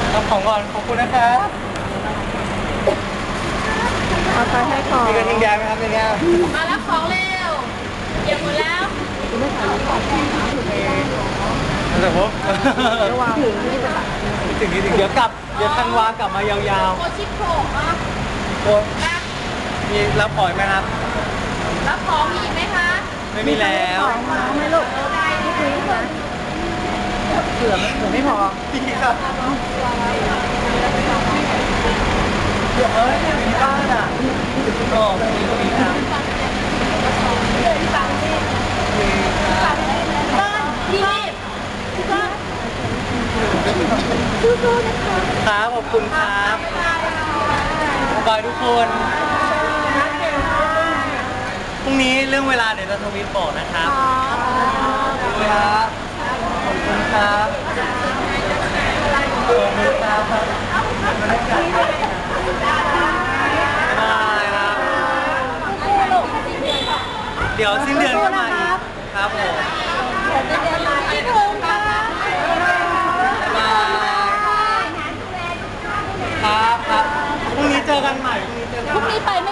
รับของก่อนขอบคุณนะครับเอาไปให้ก่อนมีกระทิงแดงไหมครับในนี้มารับของเร็วเดี๋ยวหมดแล้วแต่ผมระวังถึงนี่จะแบบถึงนี้ถึงเดี๋ยวธันวากลับมายาวโคชิโผล่อะๆโอ้มีรับปล่อยไหมครับรับของมีอีกไหมคะไม่มีแล้วของมาไม่ลูกไม่คุยนะเผื่อไม่พอพี่ครับเดี๋ยวมีบ้านอ่ะก็มีครับบ้านที่นี่สู้ๆนะคะครับขอบคุณครับบายทุกคนพรุ่งนี้เรื่องเวลาเดี๋ยวจะทวิตบอกนะครับขอบคุณครับขอบคุณครับขอบคุณครับบายครับเดี๋ยวสิ้นเดือนก็มาอีกครับผมพี่ถึงค่ะบายครับครับพรุ่งนี้เจอกันใหม่พรุ่งนี้เจอกันพรุ่งใหม่นี้ไปไหม